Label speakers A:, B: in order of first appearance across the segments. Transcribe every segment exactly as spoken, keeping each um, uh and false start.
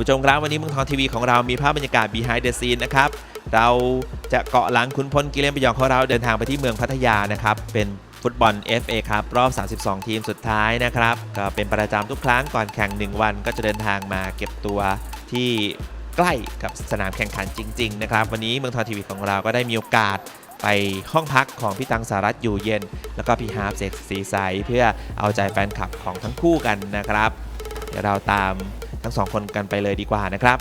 A: ผู้ชมครับวันนี้เมืองทองทีวีของเรามีภาพบรรยากาศ behind the scene นะครับเราจะเกาะหลังขุนพลกิเลนพยองของเราเดินทางไปที่เมืองพัทยานะครับเป็นฟุตบอล เอฟ เอ ครับรอบสามสิบสองทีมสุดท้ายนะครับก็เป็นประจำทุกครั้งก่อนแข่งหนึ่งวันก็จะเดินทางมาเก็บตัวที่ใกล้กับสนามแข่งขันจริงๆนะครับวันนี้เมืองทองทีวีของเราก็ได้มีโอกาสไปห้องพักของพี่ตังสารัตน์อยู่เย็นแล้วก็พี่ฮาร์ฟเสกศรีใสเพื่อเอาใจแฟนคลับของทั้งคู่กันนะครับเดี๋ยวเราตามทั้งสองคนกันไปเลยดีกว่านะครับ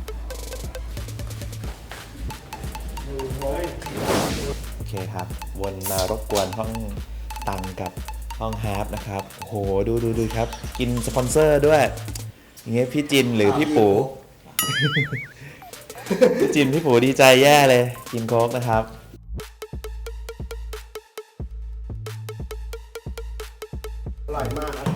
A: โอเคครับวนมารบกวนห้องตังกับห้องฮาร์ฟนะครับโอ้โหดูดูดูครับกินสปอนเซอร์ด้วยอย่างเงี้ยพี่จินหรือพี่ปู พี่จินพี่ปูดีใจแย่เลยกินโค้กนะครับ
B: อร่อยมากครับ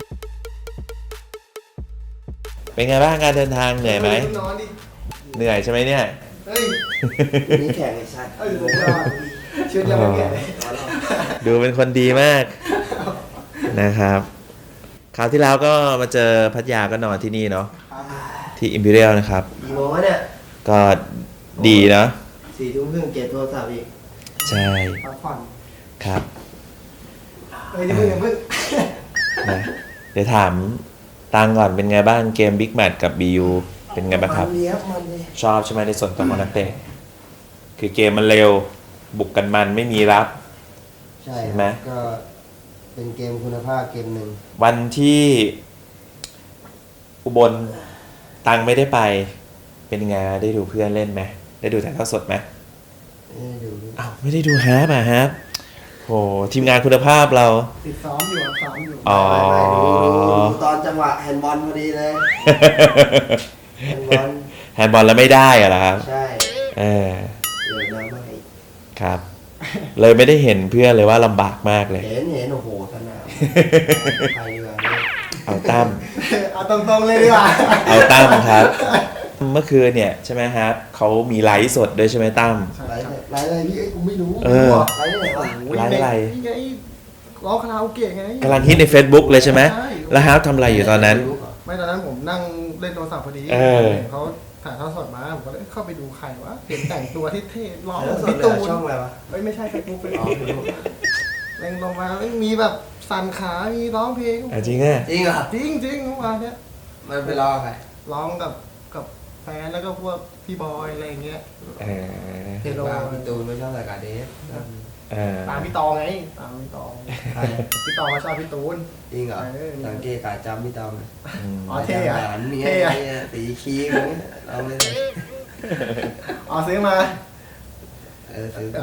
A: เป็นไงบ้างการเดินทางเหนื่อยไหมนอนดิเหนื่อยใช่ไหมเนี่ย
B: เฮ้ยมีแข่งไอ้ชัดเอ้ยยอดชุดยังไม่เปลี่ยนเลย
A: ดูเป็นคนดีมากนะครับคราวที่แล้วก็มาเจอพัทยาก็นอนที่นี่เนาะที่ Imperial นะครับ
B: กี่โมงเนี่ย
A: ก็ดีเนาะ
B: สี่ทุ่มครึ่งเก็บโทรศัพท์อีก
A: ใช่
B: พักผ่อน
A: ครับ
B: เฮ้ยนี่มึงอย่าเพิ่ง
A: นะเดี๋ยวถามตังก่อนเป็นไงบ้างเกม Big Match กับ บี ยู เป็นไงบ้างครับชอบใช่ไหมในส่วนตัวของนักเตะคือเกมมันเร็วบุกกันมันไม่มีรับ
B: ใช่ไหมก็เป็นเกมคุณภาพเกมหนึ่ง
A: วันที่อุบลตังไม่ได้ไปเป็นไงได้ดูเพื่อนเล่นไหมได้ดูถ่ายทอดสดไหม
B: ไม่ได้ดู
A: อ้าวไม่ได้ดูฮะป่ะฮะโหทีมงานคุณภาพเรา
B: ติดซ้อมอยู่ซ้อมอยู่
A: อ๋อ
B: ตอนจังหวะแฮนด์บอลพอดีเลยแฮนด์บอล
A: แฮนด์บอลแล้วไม่ได้เหรอครับ
B: ใช่
A: เออ
B: เดี๋ยวน้ำไม่
A: ครับเลยไม่ได้เห็นเพื่อนเลยว่าลำบากมากเลย
B: เห็นเห็นโอ้โหสนามใครดีกว่า
A: เอาตั้ม
B: เอาตรงๆเลยดีกว่า
A: เอาตั้มครับเมื่อคืนเนี่ยใช่ไหมครับเขามีไลฟ์สดด้วยใช่ไหมตั้ม
B: ไลฟ์ไลฟ์อะไรพี่กูไม่รู้
A: เออ
B: ไลฟ์ไหนวะ
A: ไลฟ์อะไร
B: ไงร้องคาราโอเกะไง
A: กำลังฮิตใน Facebook เลยใช่ไหมแล้วฮาร์ฟทำอะไรอยู่ตอนนั้น
B: ไม่ตอนนั้นผมนั่งเล่นโทรศัพท์พอดีเขาถ่ายทอดสดมาผมก็เลยเข้าไปดูใครวะเห็นแต่งตัวที่เท่ร้องพี่ตูนช่องอะไรวะเฮ้ยไม่ใช่เฟซบุ๊กเฟซบุ๊กเล่นลงมาแล้วมีแบบสั่นขามีร้องเพลง
A: จริงอ่ะ
B: จริงเหรอจริงจริงเมื่อวานเนี้ยมันไปร้องใครร้องกับกับแฟนแล้วก็พวกพี่บอยอะไรเงี้ย
A: เออ
B: เฮโร่พี่ตูนไม่ชอบรายการเดฟตามพี่ตองไงตามพี่ตองพี่ตองเขาชอบพี่ตูนจริงเหรอสังเกตการจำพี่ตองอ๋อเท่อะเท่อะสีคีมเราไม่ได้อ๋อซื้อมาเออซื้อ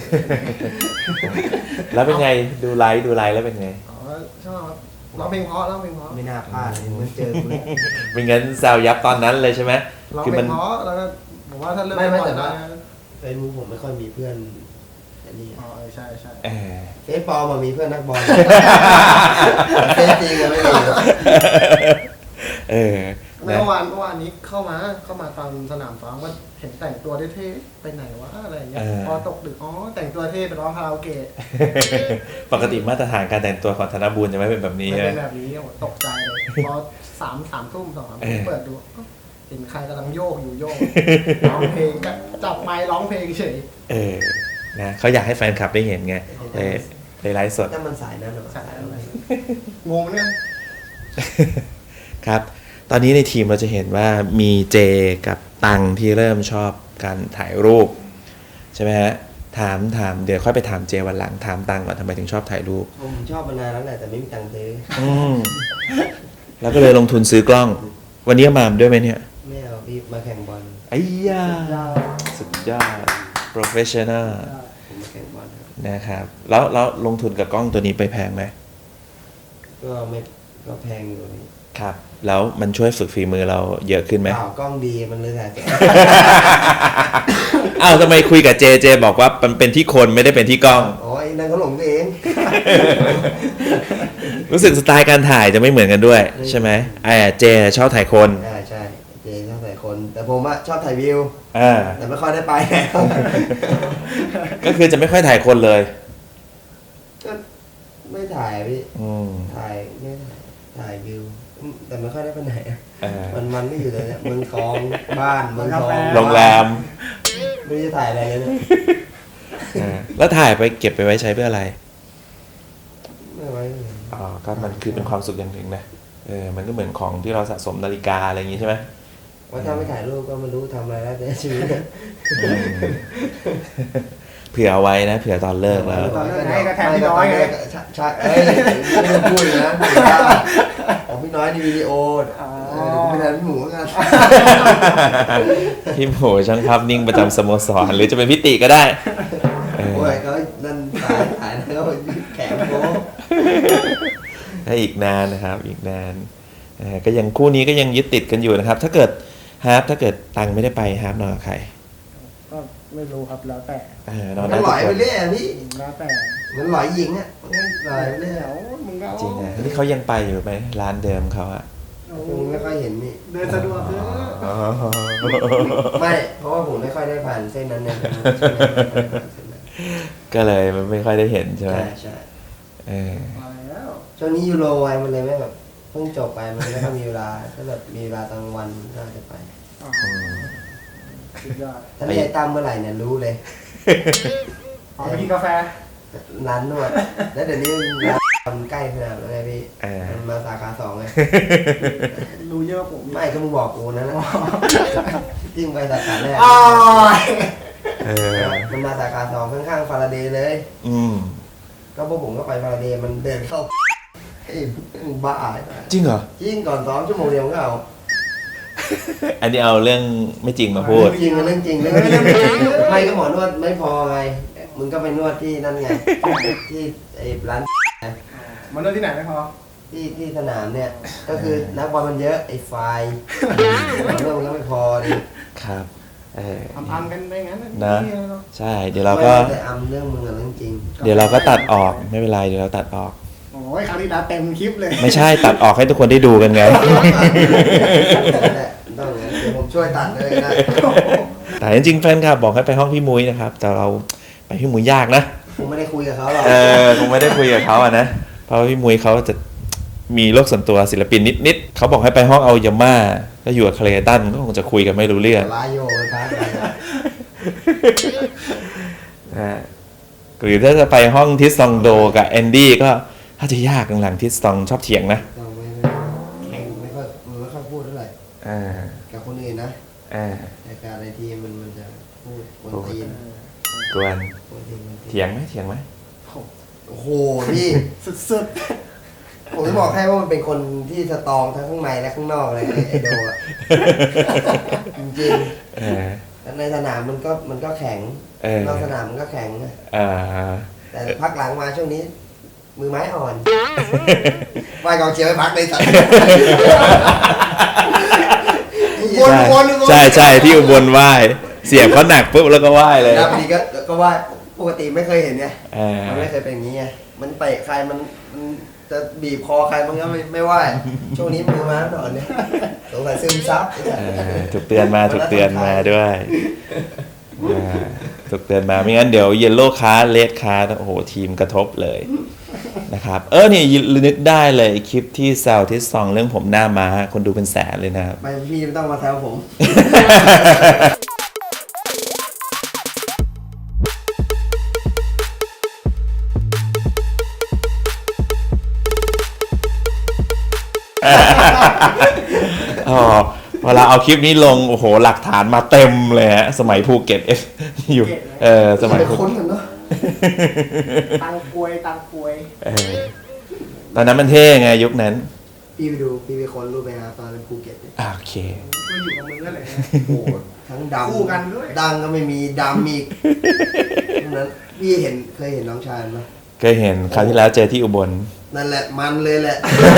A: แล้วเป็นไงดูไลฟ์ดูไลฟ์แล้วเป็นไง
B: อ๋อชอบร้องเพลงเพราะร้องเพลงเพราะไม่น่าพลาดเลยมันเจอคุณ
A: เป็นงั้นแซวยับตอนนั้นเลยใช่ไหม
B: ร้องเพลงเพราะแล้วก็ผมว่าถ้าเลิกไม่ไม่แต่ว่าเฟซบุ๊กผมไม่ค่อยมีเพื่อนนี่อ๋อใช่ใช่เฟซปอมมีเพื่อนนักบอลเฟซจริงอะไม่มี
A: เออ
B: เมื่อวานเมื่อวานนี้เข้ามาเข้ามาตามสนามซ้อมว่าเห็นแต่งตัวเท่ๆไปไหนวะอะไรเงี้ยพอตกดึกอ๋อแต่งตัวเท่ไปร้องคาราโอเกะ
A: ปกติมาตรฐานการแต่งตัวของธนบุญจะไม่เป็นแบบนี้
B: ไม่เป็นแบบนี้ตกใจเลยพอสามสามทุ่มสองสามทุ่มเปิดดูเห็นใครกำลังโยกอยู่โยกร้องเพลงจับไมค์ร้องเพลงเฉย
A: เออนะเขาอยากให้แฟนคลับได้เห็นไงเลยเลยไลฟ์สด
B: แต่มันสายนั้นหรอสายอะไรงงเนี่ย
A: ครับตอนนี้ในทีมเราจะเห็นว่ามีเจกับตังที่เริ่มชอบการถ่ายรูปใช่ไหมฮะถามถามเดี๋ยวค่อยไปถามเจวันหลังถามตังก่อนทำไมถึงชอบถ่ายรูป
B: ผมชอบมานานแล้วแหละแต่ไม่มีตังค์ซื้อ
A: อืมแล้วก็เลยลงทุนซื้อกล้องวันนี้มาด้วยไหมเนี่ย
B: ไม่เอาพี่มาแข่งบอล
A: ไอ้ยาสุดยอด professional
B: ผมมาแข่งบอล
A: นะครับแล้วแล้วลงทุนกับกล้องตัวนี้ไปแพงไหม
B: ก็ไม่ก็แพงอยู่นี่
A: ครับแล้วมันช่วยฝึกฝีมือเราเยอะขึ้นไหม
B: อ้าวกล้องดีมันเลยถ่าย
A: อ้าวทำไมคุยกับเจเจบอกว่ามันเป็นที่คนไม่ได้เป็นที่กล้อง
B: อ๋อไอ้นั่นเขาหลงเอง
A: รู้สึกสไตล์การถ่ายจะไม่เหมือนกันด้วยใช่ไหมไอ้เจชอบถ่ายคน
B: ใช่ใช่เจชอบถ่ายคนแต่ผมอะชอบถ่ายวิวแต่ไม่ค่อยได้ไป
A: ก็คือจะไม่ค่อยถ่ายคนเลย
B: ก็ไม่ถ่ายพี่ถ่ายไม่ถ่ายถ่ายวิวแต่ไม่ค่อยได้ไปไหน
A: เออ
B: มันมันไม่อยู่เลยเนี่ยเมืองทองบ้านเมืองทอง
A: โรงแรม
B: ไม่ได้ถ่ายอะไรเลยเนี่ย
A: เออแล้วถ่ายไปเก็บไปไว้ใช้เพื่ออะไร
B: ไม่ไว้เลย
A: อ๋อก็มันคือเป็นความสุขอย่างหนึ่งนะเออมันก็เหมือนของที่เราสะสมนาฬิกาอะไรอย่างงี้ใช่ไหม
B: ว่าถ้าไม่ถ่ายรูปก็ไม่รู้ทำอะไรแล้วแต่ชีวิต
A: อืมเผื่อเอาไว้นะเผื่อตอนเลิกแล้ว
C: ตอนเลิกไงก็แทนพี่น้อยไง
B: ใช่ใช่เอ้ยไม่ต้องพูดนะของพี่น้อยในวิดีโอเออเดี๋ยวกูไปแทนพี่หมูกัน
A: พี่หมูช่างภาพนิ่งประจำสโมสรหรือจะเป็นพิติก็ได้เออ
B: โอ้ยก็นั่นถ่ายถ่ายแล้วก็แขนโค้ง
A: ถ้าอีกนานนะครับ อีกนานเออก็ยังคู่นี้ก็ยังยึดติดกันอยู่นะครับ ถ้าเกิดฮาร์ปถ้าเกิดตังไม่ได้ไปฮาร์ปนอนกับใคร
C: ก็ไม่รู้ครับแล้วแต่
A: เออนอน
B: มั
A: ได้
B: นห
A: ทุ
B: ล
A: ก
B: อย
A: ค
B: ไป
A: น
B: เรื่อยอะพี่
C: แล้วแต่
B: มันหลอยหญิงอ่ะมันหลอยไปเรื่อย
C: เดี๋ยวมึงก็
A: จริงนะนี่เขายังไปอยู่ไหมร้านเดิมเขาอะ
B: ผมไม่ค่อยเห็นนี่
C: เดินสะดวกเถอะ
A: อ๋อ
B: ไม่ เพราะว่าผมไม่ค่อยได้ผ่านเส้นนั้นเนี่ย
A: ก็เลยมันไม่ค่อยได้เห็นใช่ไหม
B: ใช่ใช่
A: เออ
C: มาแล้ว
B: ช่วงนี้ยูโรไวมันเลยไม่แบบเพิ่งจบไปมันไม่ค่อยมีเวลาถ้าแบบมีเวลาตอนกลางวันน่าจะไป
C: อ๋อ
A: อืม
C: สุดยอด
B: ถ้าไม่ได้ตั้มเมื่อไหร่เนี่ยรู้เลย
C: อ๋อไปกินกาแฟ
B: ร้านนวด แล้วเดี๋ยวนี้ร้านทำใกล้ขนาดนั้นไงพี่
A: เออ
B: มันมาสาขาสองไง
C: รู้เยอะกว่าผม
B: ไม่ก็มึงบอกกูนะนะจิ้งไปสาขาแรก
C: อ๋อ
A: เออ
B: มันมาสาขาสองข้างๆฟาราเดย์เลย
A: อืม
B: ก็พวกผมก็ไปฟาราเดย์มันเดินเข้าไอ้มึงบ้า
A: จริงเหรอ
B: จริงก่อนซ้อมชั่วโมงเดียวมันก็เอา
A: อันนี้เอาเรื่องไม่จริงมาพูด
B: จริงเรื่องจริงเรื่องจริงไม่ก็หมอนวดไม่พอไงมึงก็ไปนวดที่นั่นไงที่ไอ้ร้าน
C: มันเริ่มที่ไหนไม่พอ
B: ที่ที่สนามเนี่ย ก็คือนักบอลมันเยอะไอ้ไฟเรื่องมันก็ไม่พอดิ
A: ครับ เออ
C: ทำทำกันไปงั้น
A: นะ
C: นี่เนาะ
A: ใช่ เดี๋ยวเราก็
B: ไม่แต่อำเรื่องมึงอะเรื่องจริง
A: เดี๋ยวเราก็ตัดออกไม่เป็นไรเดี๋ยวเราตัดออก
C: โอ้ยคราวนี้ดาเต็มคลิปเลย
A: ไม่ใช่ตัดออกให้ทุกคนได้ดูกันไง
B: แหละต้องอย่างนั้นเดี๋ยวผมช่วยตัดเลยนะ
A: แต่จริงๆแฟนคลับบอกให้ไปห้องพี่มุ้ยนะครับ แต่เราไปพี่มุ้ยยากนะ
B: ผมไม่ได้คุยกับเขาหรอก
A: เออคงไม่ได้คุยกับเขาอะนะ เพราะว่าพี่มุ้ยเขาจะมีโลกส่วนตัวศิลปินนิดๆเขาบอกให้ไปห้องเอายาม่าก็อยู่กับเคลตันก็คงจะคุยกันไม่รู้เรื่อง
B: ลายโยไปพักไปนะ
A: นะฮะหรือถ้าจะไปห้องทิสซองโดกับแอนดี้ก็ถ้าจะยากหลังๆทิสซองชอบเถียงนะ
B: เราไม่ไม่ไม่ค่อยไม่ค่อยพูดเท่าไหร่
A: อ่า
B: กับคนอื่นนะ
A: อ่า
B: แต่การในทีมมันมันจะพูดบนตีน
A: กวน
B: บนตีนบนตีน
A: เถียงไหมเถียงไหม
B: โอ้โหพี่
C: สุด
B: ผมจะบอกให้ว่ามันเป็นคนที่สตรองทั้งข้างในและข้างนอกเลยไอ้ไอโดอะจริง
A: เออ
B: ๆแล้วในสนามมันก็มันก็แข็ง
A: เออน
B: อกสนามมันก็แข็งนะ
A: อ่า
B: แต่พักหลังมาช่วงนี้ มือไม้อ่อนว่ายกองเชียร์ไปพักในสัตว์ วน
A: ใช่
B: วนวน
A: ใช่ใช่ที่อุบลไหว้เสียบเขาหนักปุ๊บแล้วก็ไหว้เลย
B: แล้วพอดีก็ก็ว่าปกติไม่เคยเห็นไง
A: เออ
B: มันไม่เคยเป็นอย่างนี้ไงมันเตะใครมันมันจะบีบคอใครมันก็ไม่ไม่ไหวช่วงนี้มือม้าอ่อนเนี่ยสงสัยซึมซับไอ้สัตว์
A: เออถูกเตือนมาถูกเตือนมาด้วยอ่าถูกเตือนมาไม่งั้นเดี๋ยวเยลโล่คาร์เลดคาร์โอ้โหทีมกระทบเลยนะครับเออเนี่ยนึกได้เลยคลิปที่แซวที่ซองเรื่องผมหน้าม้าคนดูเป็นแสนเลยนะครับ
B: ไม่พี่ไม่ต้องมาแซวผม
A: อ๋อเวลาเอาคลิปนี้ลงโอ้โหหลักฐานมาเต็มเลยฮะสมัยภูเก็ตเอฟอยู่เออสมัย
B: ไป
A: ภู
B: ค้นกันเนาะ
C: ๆตังกวยตังกวย
A: เออตอนนั้นมันเท่ไงยุคนั้น
B: พี่ไปดูพี่ไปค้นรูปไปนะตอนเป็นภูเก็ตเนี่ย
A: อ่าโอเค
C: ก็อยู่กับมึงนั่นแหละ
B: โอ้โหทั้งดำ
C: คู่กันด้วย
B: ดังก็ไม่มีดำอีกดังนั้นพี่เห็นเคยเห็นน้องชายไหม
A: เคยเห็นคราวที่แล้วเจอที่อุบล
B: นั่นแหละมันเลยแหละ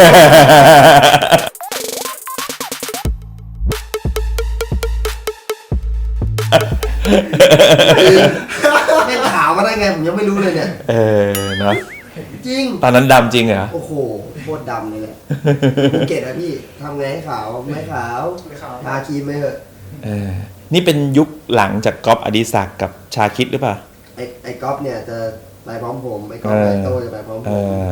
B: เป็นขาวมาได้ไงผมยังไม่รู้เลยเนี่ย
A: เออเนาะ
B: จริง
A: ตอนนั้นดำจริงเหรอ
B: โอ้โหโคตรดำเลยแหละภูเก็ตอะพี่ทำไงให้ขาวไม่ขาว
C: ไม่ขาว
B: ทาครีมไม่เหอะ
A: เออนี่เป็นยุคหลังจากก๊อฟอดิศักดิ์กับชาคิดหรือเปล่า
B: ไอ้ไอ้ก๊อฟเนี่ยจะไปพร้อมผมไอ้ก๊อฟ
A: เออ
B: ไอ้โตจะไปพร้อมผ
A: เอ
B: ม
A: อ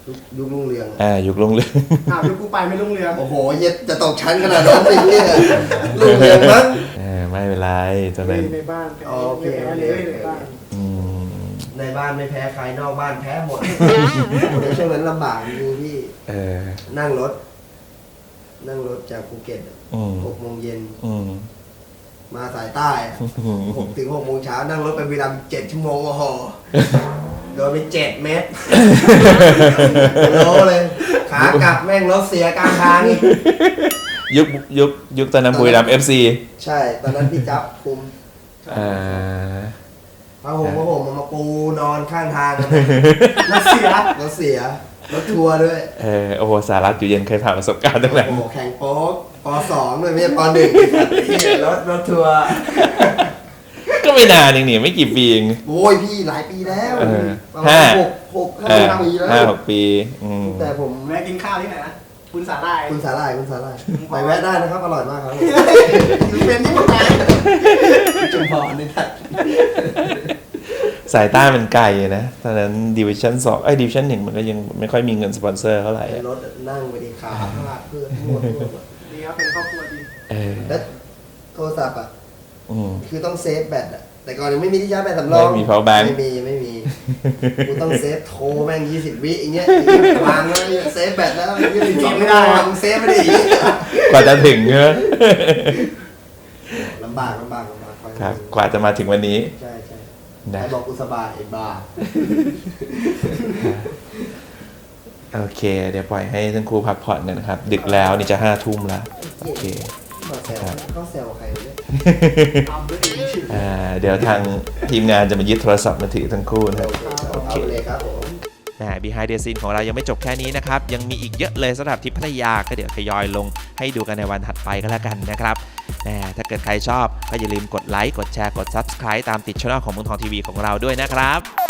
B: ยุคยุครุ่งเรือง
A: อ่ายุครุ่งเรือง
C: อ้าวยุคกูไปไม่รุ่งเรือง
B: โอ้โหเย็ดจะตกชั้นขนาดนั้นเลยเนี่ยรุ่งเรืองมั้ง
A: เออไม่เป็นไรตอน
C: เฮ้
A: นั้
C: ย
A: น
C: ในบ้าน
B: อ๋อโอเค
C: ในบ้านเลยในบ้าน
A: อืม
B: ในบ้านไม่แพ้ใครนอกบ้านแพ้หมดในช่วงนั้นลำบากจริงๆพี่
A: เออ
B: นั่งรถ นั่งรถจากภูเก็ต
A: อืม
B: หกโมงเย็น
A: อืม
B: มาสายใต้อะหกถึงหกโมงเช้านั่งรถไปบุรีรัมย์เจ็ดชั่วโมงโอ้โหโดนไปเจ็ดเมตรโลเลย ขากลับแม่งรถเสียกลางทางอีก
A: ยุคยุคยุคตอนนั้นบุรีรัมย์เอฟซี
B: ใช่ ตอนนั้นพี่จับคุม
A: อ่า
B: ผ้าห่มผ้าห่มมาปูนอนข้างทางกัน
C: รัสเซีย
B: รถเสียรถทัวร์ด้วย
A: เออโอ้โหสารัตอยู่เย็นเคยผ่านประสบการณ์ตั้งแต่
B: โอ้โหแข่งโป๊กปสองด้วยไม่ใช่ปหนึ่งรถรถทัวร์
A: ก็ไม่นานเองนี่ไม่กี่ปีเอง
B: โอ้ยพี่หลายปีแล้ว
A: เออ
B: ประมา
A: ห้า
B: ณหกหก
A: เอ
B: ห้า
A: อ
B: ปีแล้ว
A: ห้าหกปีอืม
B: แต่ผม
C: แม่กินข้าวที่ไหนนะคุณสาหร่าย
B: คุณสาหร่ายคุณสาหร่ายไปแวะได้นะครับอร่อยมากครับ
C: เป็นที่ผมไป
B: จุมพรนี่ท่าน
A: สายใต้มันไกลนะตอนนั้นดิวิชั่นสองไอ้ดิวิชั่นหนึ่งมันก็ยังไม่ค่อยมีเงินสปอนเซอร์เท่าไหร่
B: ใน
A: อะ
B: รถนั่งไปดีขาพลาดเพื่อนหมดหมด
C: ดีครับเป็นครอบครัวดี
A: เออ
B: แล้วโทรศัพท์อ่ะ
A: อืม
B: คือต้องเซฟแบตอ่ะแต่ก่อนยังไม่มีที่ชาร์จแบตสำรอง
A: ไม่มี power bank
B: ไม่มีไม่มีกูต้องเซฟโทรแม่งยี่สิบวิอย่างเงี้ยวางแล้วเซฟแบตแล้วยี่สิบสองไม่ได้มึงเซฟไม่ได้อีก
A: กว่าจะถึงเนอะ
B: ลำบากลำบากลำบาก
A: ครับกว่าจะมาถึงวันนี้
B: ใช่ใช่
A: นะ
B: ใครบอกกูสบายไอ้บ้า
A: โอเค เดี๋ยวปล่อยให้ทั้งคู่พักผ่อนกันนะครับ ดึกแล้วนี่จะห้าทุ่มแล้วโอเค
B: มาแซวเขาแซวใครเนี่ย
C: ทำด้วยเอง
A: อ่าเดี๋ยวทางทีมงานจะมายึดโทรศัพท์มือถือทั้งคู่นะครับ
B: โอเคเอาเลยครับผม
A: แหม Behind the Scene ของเรายังไม่จบแค่นี้นะครับ ยังมีอีกเยอะเลยสำหรับทริปพัทยาก็เดี๋ยวทยอยลงให้ดูกันในวันถัดไปก็แล้วกันนะครับแหมถ้าเกิดใครชอบก็อย่าลืมกดไลค์กดแชร์กด Subscribe ตามติดช่องของเมืองทองทีวีของเราด้วยนะครับ